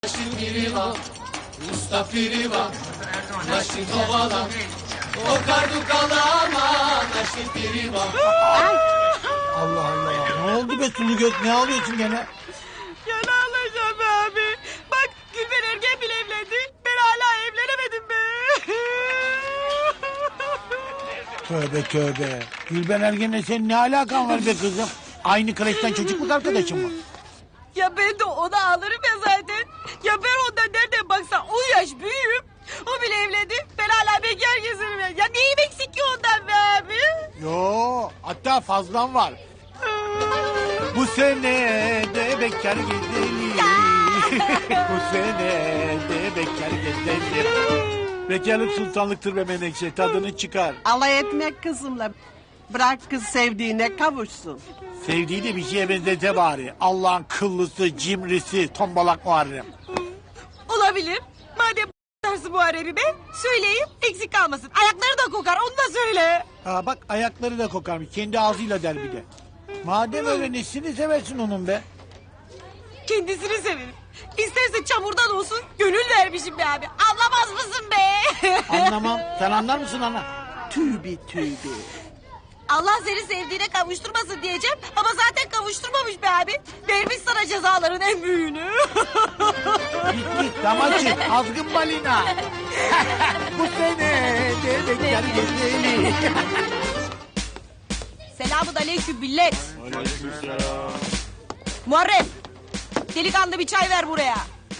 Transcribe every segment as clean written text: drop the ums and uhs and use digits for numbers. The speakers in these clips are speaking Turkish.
Naşin biri var, usta piri var, naşin kovala, o kardu kalama, naşin piri var. Allah Allah. Ne oldu be sulu göz? Ne ağlıyorsun gene? Ya ne alacağım be abi? Bak Gülben Ergen bile evlendi. Ben hala evlenemedim be. Tövbe tövbe. Gülben Ergen'le senin ne alakan var be kızım? Aynı kreşten çocukluk arkadaşın mı? Ya ben de ona alırım ya zaten. Ya ben ondan nereden baksan 10 yaş büyüğüm. O bile evlendi. Ben hala bekar gezerim ya. Ya neyim eksik ki ondan be abi? Yo, hatta fazlan var. Bu sene de bekar gezelim. Bu sene de bekar gezelim. Bekarlık sultanlıktır be Menekşe. Tadını çıkar. Alay etmek kızımla. Bırak kız sevdiğine kavuşsun. Sevdiği de bir şeye benzete bari. Allah'ın kıllısı, cimrisi, tombalak Muharrem. Olabilir. Madem dersi Muharrem'i be söyleyeyim eksik kalmasın. Ayakları da kokar onu da söyle. Ha bak ayakları da kokarmış. Kendi ağzıyla der bir de. Madem öyle nesini seversin onun be? Kendisini severim. İsterse çamurdan olsun gönül vermişim be abi. Anlamaz mısın be? Anlamam. Sen anlar mısın ana? Tübi tübi. Allah seni sevdiğine kavuşturmasın diyeceğim. Ama zaten kavuşturmamış be abi. Vermiş sana cezaların en büyüğünü. Git git damaçı. Azgın balina. Bu sene de bekler gezeli. Selamun aleyküm millet. Muharrem. Delikanlı bir çay ver buraya.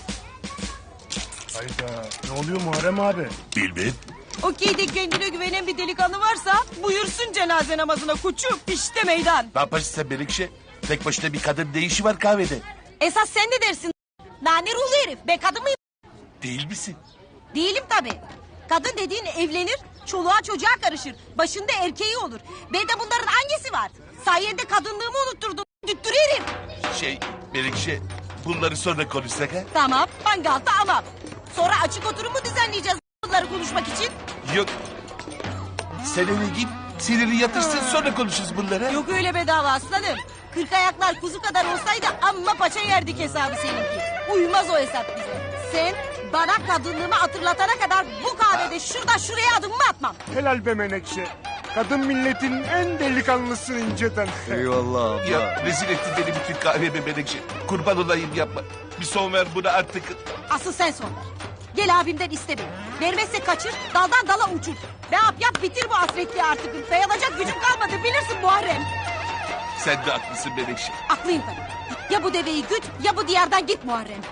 Hayda, ne oluyor Muharrem abi? Bilmem. Okey'de kendine güvenen bir delikanlı varsa buyursun cenaze namazına koçum. İşte meydan. Ne yaparsın sen Melekşe? Tek başına bir kadın ne işi var kahvede? Esas sen ne dersin? Nane ruhlu herif. Ben kadın mıyım? Değil misin? Değilim tabii. Kadın dediğin evlenir, çoluğa çocuğa karışır. Başında erkeği olur. Ben de bunların hangisi var? Sayende kadınlığımı unutturdum. Düttürüyorum. Melekşe bunları sonra konuşsak ha? Tamam, mangal tamam. Sonra açık oturum mu düzenleyeceğiz bunları konuşmak için? Yok. Sen eve git, siniri yatırsın sonra konuşuruz bunları. Yok öyle bedava aslanım. 40 ayaklar kuzu kadar olsaydı amma paça yerdik hesabı seninki. Uymaz o hesap bize. Sen bana kadınlığımı hatırlatana kadar bu kahvede şuradan şuraya adımımı atmam. Helal be Menekşe. Kadın milletin en delikanlısı inceden. Eyvallah ya rezil ettin beni bütün kahveme Melekşe. Kurban olayım yapma. Bir son ver buna artık. Asıl sen son ver. Gel abimden iste beni. Vermezse kaçır, daldan dala uçur. Ne yap bitir bu hasretliği artık. Dayanacak gücüm kalmadı bilirsin Muharrem. Sen de haklısın Melekşe. Haklıyım tabii. Ya bu deveyi güt ya bu diyardan git Muharrem.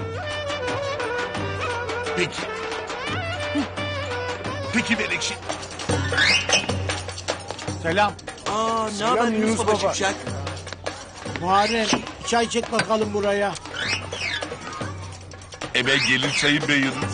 Peki. Peki Melekşe. Selam. Ne haber Yunus baba? Muharrem çay çek bakalım buraya. Hemen gelir çayın be Yunus.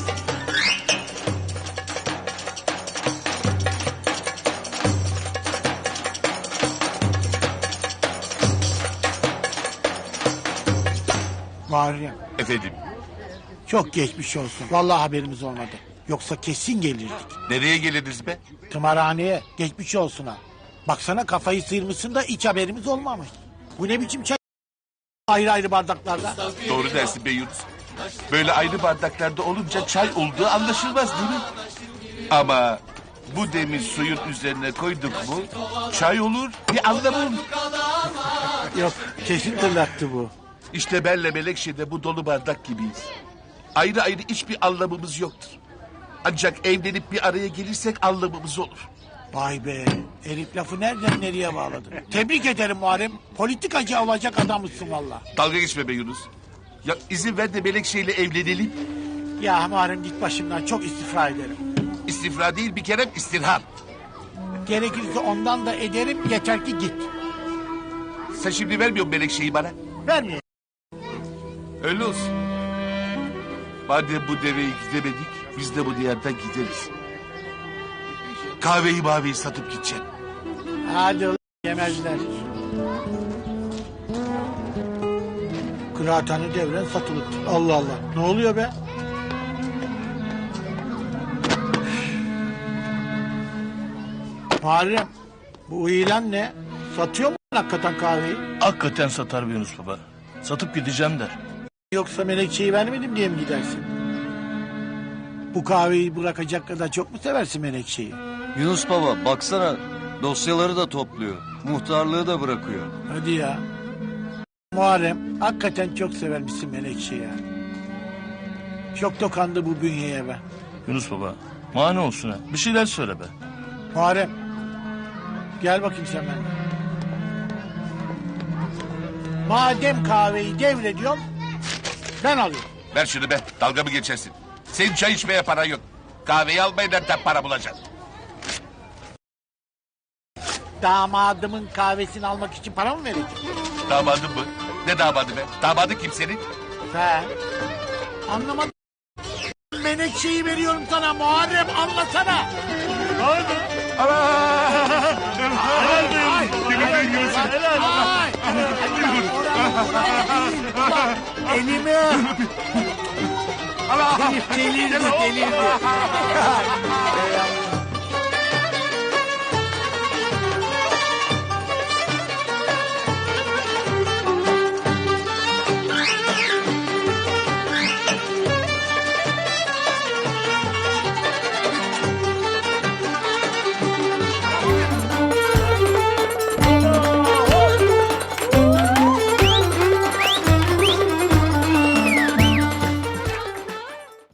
Muharrem Efendim çok geçmiş olsun. Vallahi haberimiz olmadı. Yoksa kesin gelirdik. nereye geliriz be? Tımarhaneye geçmiş olsun ha. Baksana kafayı sıyırmışsın da hiç haberimiz olmamış. Bu ne biçim çay? Ayrı ayrı bardaklarda. Doğru dersin be Yunus. Böyle ayrı bardaklarda olunca çay olduğu anlaşılmaz değil mi? Ama bu demir suyun üzerine koyduk mu çay olur bir anlamı olur. Yok kesin tırlattı bu. İşte benle Melekşe'de bu dolu bardak gibiyiz. Ayrı ayrı hiçbir anlamımız yoktur. Ancak evlenip bir araya gelirsek anlamımız olur. Vay be herif lafı nereden nereye bağladı. Tebrik ederim Muharrem. Politikacı olacak adammışsın valla. Dalga geçme be Yunus. Ya izin ver de Melekşe'yle evlenelim. Ya Muharrem git başımdan çok istifra ederim. İstifra değil bir kere istirham. Gerekirse ondan da ederim yeter ki git. Sen şimdi vermiyor musun Melekşe'yi bana? Vermiyor. Öyle olsun. Madem bu deveyi gidemedik, biz de bu diyardan gideriz. Kahveyi maveyi satıp gideceğim. Hadi ulan yemezler. Kıraathane devren satılık. Allah Allah. Ne oluyor be? Muharrem bu ilan ne? Satıyor mu hakikaten kahveyi? Hakikaten satar bir Yunus baba. Satıp gideceğim der. Yoksa Menekşe'yi vermedim diye mi gidersin? Bu kahveyi bırakacak kadar çok mu seversin Menekşe'yi? Yunus Baba baksana dosyaları da topluyor. Muhtarlığı da bırakıyor. Hadi ya. Muharrem hakikaten çok severmişsin Menekşe'yi ya. Çok dokandı bu bünyeye be. Yunus baba mani olsun ha. Bir şeyler söyle be. Muharrem. Gel bakayım sen benimle. Madem kahveyi devrediyorum ben alıyorum. Ver şunu be dalga mı geçersin? Senin çay içmeye para yok. Kahveyi almaya nereden para bulacaksın? Damadımın kahvesini almak için para mı verecek? Damadın mı? Ne damadı be? Damadı kim senin? Sen. Anlamadım. Menekşeyi veriyorum sana Muharrem anlasana. Elimi. Delirdi.